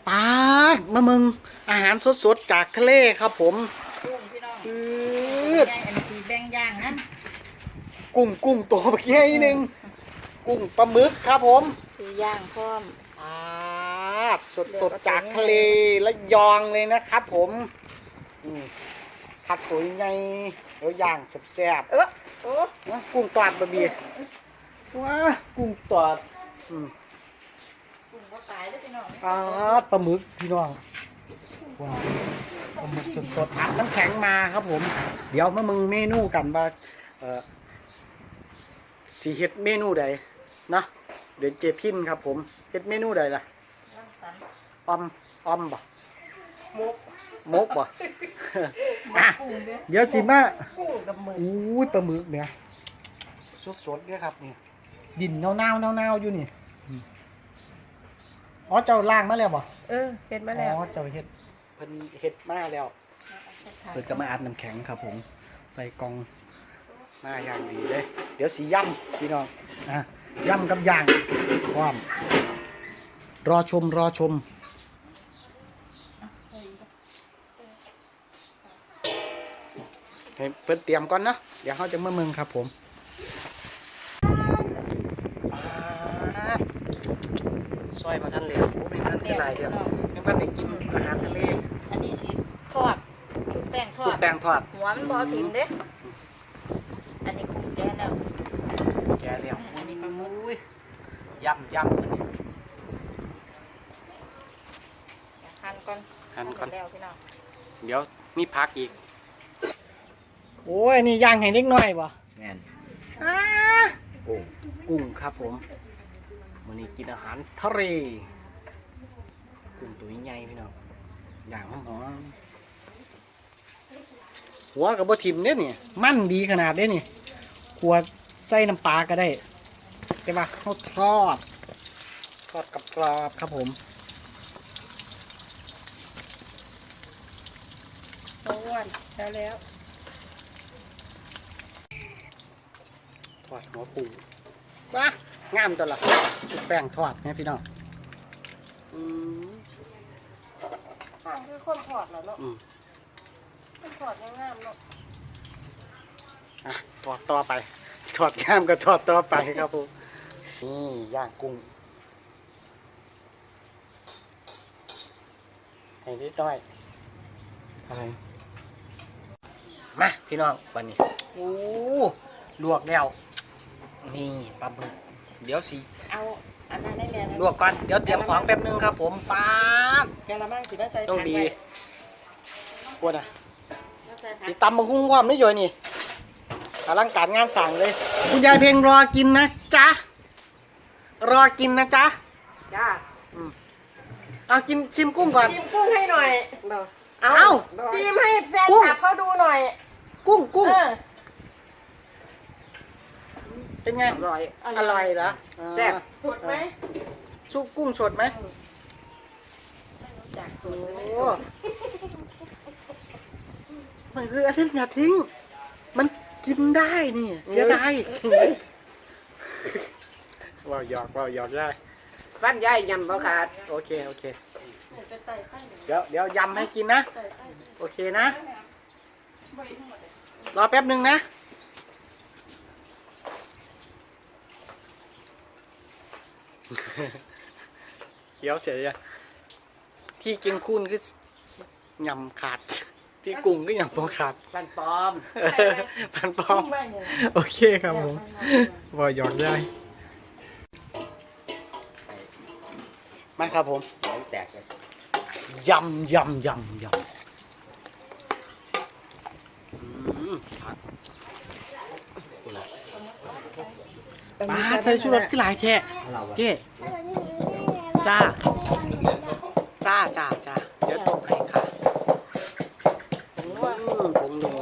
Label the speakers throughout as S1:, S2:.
S1: ปาดมามึงอาหารสดๆจากทะเลครับผม
S2: กุ้งพี่น้องอันนี้คือแบ่งย่างนะ
S1: กุ้งตัวใหญ่หนึ่งกุ้งปลาหมึกครับผม
S2: คือย่างพร้อม
S1: ปาดสดจากทะเลและยองเลยนะครับผมผัดตัวใหญ่แล้วย่างแซ่บๆกุ้งตอดบะบีว้ากุ้งตอด
S2: กุ้งก็ตายแล้วพี่น้อง
S1: ปลาหมึกพี่น้องว้าวปลาหมึกสดๆอัดน้ำแข็งมาครับผมเดี๋ยวมามึงเมนูกันว่าสีเฮ็ดเมนูใดนะเดี๋ยวเจพินครับผมเฮ็ดเมนูใดล่ะอมบ่มกบ่เดี๋ยวสิมาอู้ปลาหมึกเนี่ยสดๆเนี่ยครับนี่ดินเน่าอยู่นี่อ๋อเจ้าล่างมาแล้วบ่
S2: เฮ็ดมาแล้ว
S1: อ๋อเจ้าเฮ็ดเพิ่นเฮ็ดมาแล้วเพิ่นก็มาอัดน้ำแข็งครับผมใส่กล่องมาอย่างดีเลยเดี๋ยวสีย่ำพี่น้องย่ำกับย่างความรอชมให้เพิ่นเตรียมก่อนนะเดี๋ยวเขาจะมาเมืองครับผมซอยมาทันเลยไม่ทันได้หลายเดียวไม่ทันได้กินอาหารทะเล
S2: อันนี้สิทอดชุบแป้งทอดหัวมันบ่ถิ่มเด้อันนี้กุ้งแก่แล้วอันนี้ปลาหมึก
S1: ย่ำ
S2: หั่นก่อนแล้วพี่น้อง
S1: เดี๋ยวมีผักอีกโอ้ยนี่ย่างให้เล็กน้อยบ่
S3: แม่น
S1: กุ้งครับผมวันนี้กินอาหารทะเลกุ้งตัวใหญ่พี่น้องย่างหอมหัวกับบะทิมเนี่ยนี่มั่นดีขนาดนี้นี่ขวดใส่น้ำปลาก็ได้แต่ว่าเขาทอดกับกรอบครับผม
S2: อ้วนแล้ว
S1: ทอดหัวปูว้างามตัวละชุบแป้งทอดเนี่ยพี่น้อง
S2: ข้างคือคนทอดแล้วเนาะคนทอดงามเนาะ
S1: ทอดต่อไปทอดงามก็ทอดต่อไปครับผมนี่ย่างกุ้งให้นิดหน่อยอะไรมาพี่น้องวันนี้โอ้ลวกแล้วนี่ปลาหมึกเดี๋ยวสิ
S2: เอาอันนั้นได้แม่
S1: ลวกก่อนเดี๋ยวเตรียมของแป๊บนึงครับผมปาด
S2: แกละมั่งสิมาใส่
S1: ต้องดีปวดติดตำมังคุ้งความไม่ย่อยนี่อลังการงานสั่งเลยคุณยายเพลงรอกินนะจ๊ะจ้าเอากินชิมกุ้งก่อน
S2: ชิมกุ้งให้หน่อยเอาชิมให้แฟนคลับเขาดูหน่อย
S1: กุ้งเป็นไงอร่อยเหรอ
S2: แซ่บสดไหม
S1: ซุปกุ้งสดไหม
S2: โอ้
S1: มันคืออาทิตย์อย่าทิ้งมันกินได้นี่เสียดายว่าหยอกได้
S2: ฟันใหญ่ยำบ่ขาด
S1: โอเคเดี๋ยวยำให้กินนะโอเคนะรอแป๊บนึงนะเคี้ยวเฉยที่กินคุ้นคือยำขาดที่กุ้งก็ยำขาด
S2: ฟันปลอม
S1: โอเคครับผมว่าหยอกได้มาครับผม
S3: แตกเลย
S1: ยำมาใส่ชูรสที่หลายแค่เจ๊จ้าเดี๋ยวตบให้ค่ะผงนัว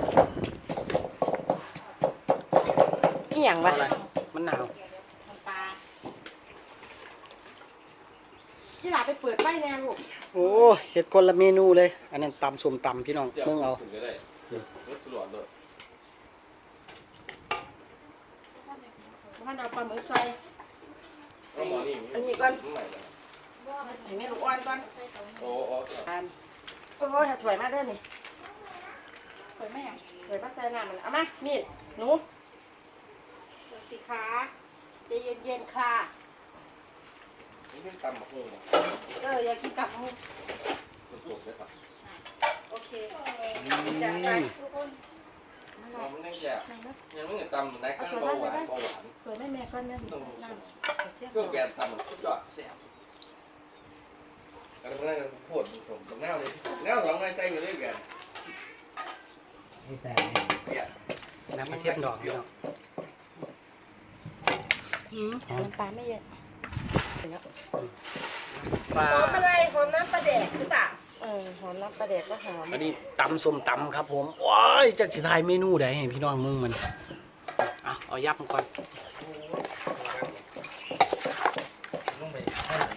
S2: อีหยังวะ
S1: มันหนาว
S2: ที่หลาไปเปิดไฟแนวลูก
S1: โอ้เห็ดคนละเมนูเลยอันนั้นตำส้มตำพี่น้องเมืองเอา
S2: มันเอาปลาหมึกใส่อันนี้ก่อน
S3: ให้แม่ลูกอ่อนก่อน
S4: โอ้
S3: โอ้ยถวยมาเด้อนี่ถวยแม่ถวยมาใส่น้ำมันเอามามีดหนูสิขาใจเย็นๆค่ะ
S4: นี่เป็นตำบักหุ่ง
S3: อยากกินกับมือ
S4: มันสุกเลยครับ
S3: โอเคจัดไปทุกคน
S4: เราไม่ได้แก่ยังไม่เห็นตำไหนก็เบาหวาน
S3: ถวยแม่ก่อนนะ
S4: ต้อง
S3: น้ำ
S4: เครื่องแกงตำสุดยอดแซ่บแล้วก็นั่งพูดผสมตรงหน้าเลยหน้าสองนายใส่ไปเรื่อยกันเนี่ย
S1: น้ำกระเทียมดอกพี่น้องหอม
S3: น้ำปลาไม่เยอะ
S1: ปลา
S3: หอมอะไรหอมน้ำปลาแดกหรือเปล่าหอมน้ำปลาแดกก็หอม
S1: อันนี้ตำส้มตำครับผมว้ายจักสิทายเมนูใดให้พี่น้องมึงมันเอายับมันก่อน
S4: ต้องไป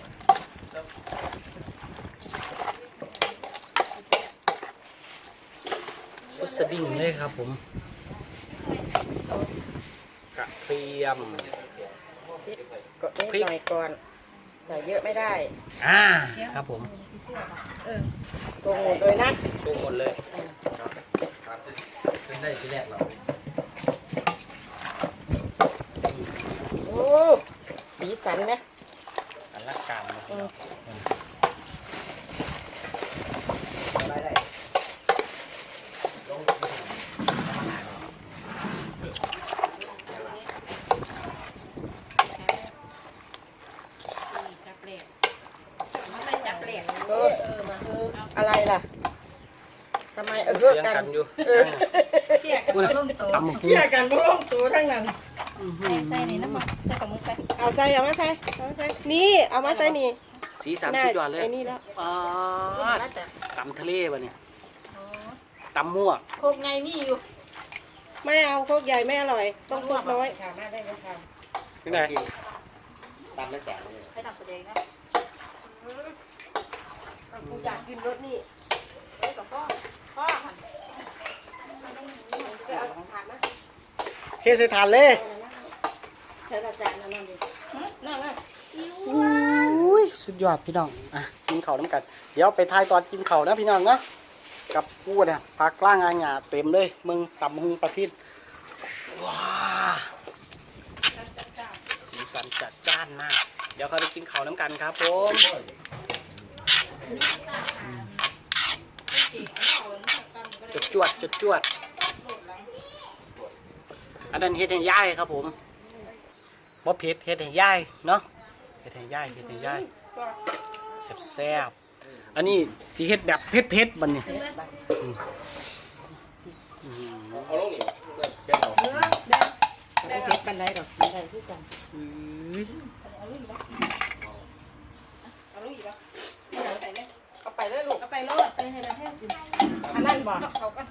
S1: สุดสดิ้งเลยครับผมกระเทียม
S3: ก็นิดหน่อยก่อนใส่เยอะไม่ได้
S1: ครับผม
S3: ตรงหมดเลยนะ
S1: โชว์หมดเลย
S4: เป็นได้ชิ้นแรกเรา
S3: โอ้สีสันนะ
S1: อันละการนะ
S4: ได้
S3: อะไรล่ะทำไม
S1: เลี้ยง
S3: กั
S1: กัน นอยู่
S3: เกี่ยกันบ่ลงตัว
S1: ตำหมู
S3: เกี่ยกันบ่ลงตัวทั้งนั้น
S2: ใส่นี่น้ำมันใส่กับมือไป
S3: เอาใส่เอามาใส่นี่เอามาใส่นี่
S1: สีสันสุดยอดเลย
S3: ไอ้นี่แล้ว
S1: ตำทะเลป่ะเนี่ยตำมั่ว
S2: โคกไงมีอยู่
S3: ไม่เอาโคกใหญ่ไม่อร่อยต้องโคกน้อยค่ะมาได้ไหมคะ
S1: ที่ไหน
S4: ตำไม่แตกเลย
S2: ใส่ทำประเดี๋ยวนะ
S3: กูอยากกินรสนี่
S2: พ่อค่ะ
S3: ไปเอาถ่านมา
S1: เทใส่ถาดเลย
S3: ใส่ละจานนั่นดิ
S2: นั่งเลย
S1: อุ้ยสุดยอดพี่น้องกินข้าวน้ำกันเดี๋ยวไปทายตอนกินข้าวนะพี่น้องนะกับพูดเนี่ยผักกล้างงานหยาเต็มเลยมึงตำหุงประพิษว้าสีสันจัดจ้านมากเดี๋ยวเขาไปกินข้าวน้ำกันครับผมจวดจวดอันนั้นเฮ็ดให้ย่ายครับผมบ่เผ็ดเฮ็ดให้ย่ายเนาะเฮ็ดให้ย่ายแซ่บๆอันนี้สีเฮ็ดแบบเผ็ดๆบัดนี้
S4: เอาลงนี่แกงเรา
S3: ไม่เผ็ดปันไดหรอกปันไดที่กัน เอาลูกอีกแล้วเอาไปเลยลูกเอาไปโลดไปให้เราแห้งกินอันนั้นบอก
S2: เขากัน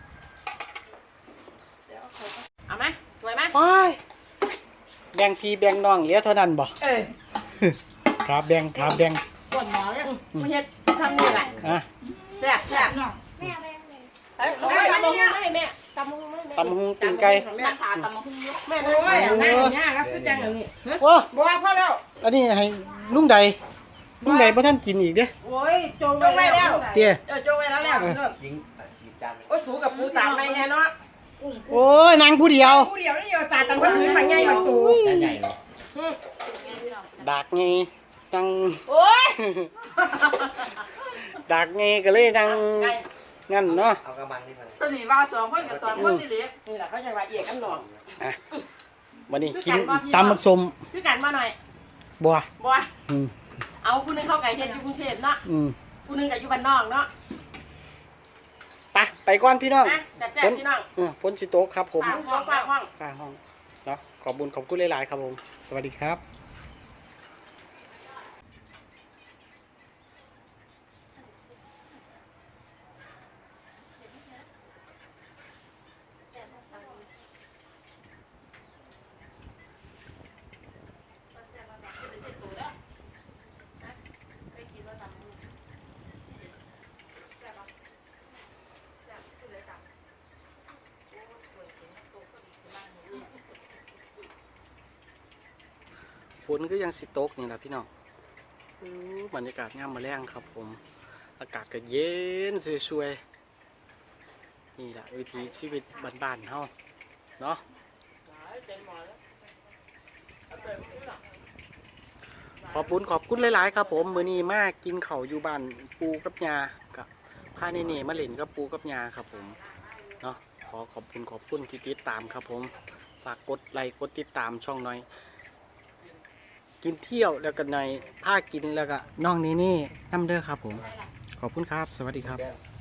S3: เอาไหมสวยไหม
S1: โอ้ยแบ่งพี่แบ่งน้องเหลือเท่านั้นบ่ ครับแบ่ง
S2: ปวดหมอเลย
S3: ไม่เห็ดทำนี่แหละ แซ่บแซ่บ
S2: น้องเฮ้ย
S3: เอาไปตำมะฮุงให้แม่ตำมะฮุงให้แม่
S1: ตำหุงตีนไก่
S2: นั่งถาตำมาขึ้นเยอะ
S3: แม่โอ้ยนั่งอย่างนี้ครับคือจังอย่างนี้
S1: โอ้
S3: บัวพ่อแล้ว
S1: อันนี้ให้ลุงใดบ่ท่านกินอีกเด้
S3: โอ้ยจงไว้แล้ว
S1: เตี้ย
S3: จงไว้แล้ว
S4: ยิงจาน
S3: โอ้ยสูกับปูสามไปไงเนาะ
S2: กุ้ง
S1: โอ้ยนางผู้เดียว
S3: ผู้เดียวนี่อยู่จ่าตำพื้นมาไงมาสู
S4: จานใหญ่เลย
S1: ดากไงนาง
S3: โอ้ย
S1: ดากไงก็เลยนางงั้นเนาะ
S4: เอากระมังนี่มาเลย
S2: ตัวนี้ว่าสองคนกับสองคนที่เหลือ
S3: นี่แหละเขาจะว่าเอียกันหนอง
S1: วันนี้กินตำมักสม
S3: พี่กันมาหน่อย
S1: บัว
S3: บัว
S1: อืม
S3: เอาผู้นึงเข้าไก่เฮ็ดอยู่กรุงเทพเนาะ
S1: อืม
S3: ผู้นึงกับอยู่บ้านนอกเนาะ
S1: ไปก่อนพี่น้อง
S3: นะแซ่บๆพี่น้อง
S1: ฝนสิตกครับผม
S3: ห้องห้อง
S1: ป้าห้องเนาะขอบคุณหลายๆครับผมสวัสดีครับฝนก็ยังสิตกนี่แหละพี่น้องบรรยากาศงามมาแรงครับผมอากาศก็เย็นสวยๆนี่แหละวิถีชีวิตบ้านๆเฮาเนาะขอบคุณหลายๆครับผมมื้อนี้มากินข้าวอยู่บ้านปูกับยากับพาเน่ๆมาเล่นกับปูกับยาครับผมเนาะขอบคุณที่ติดตามครับผมฝากกดไลค์กดติดตามช่องหน่อยกินเที่ยวแล้วก็หน่อยพากินแล้วก็น้องนี่น้ำเด้อครับผมขอบคุณครับสวัสดีครับ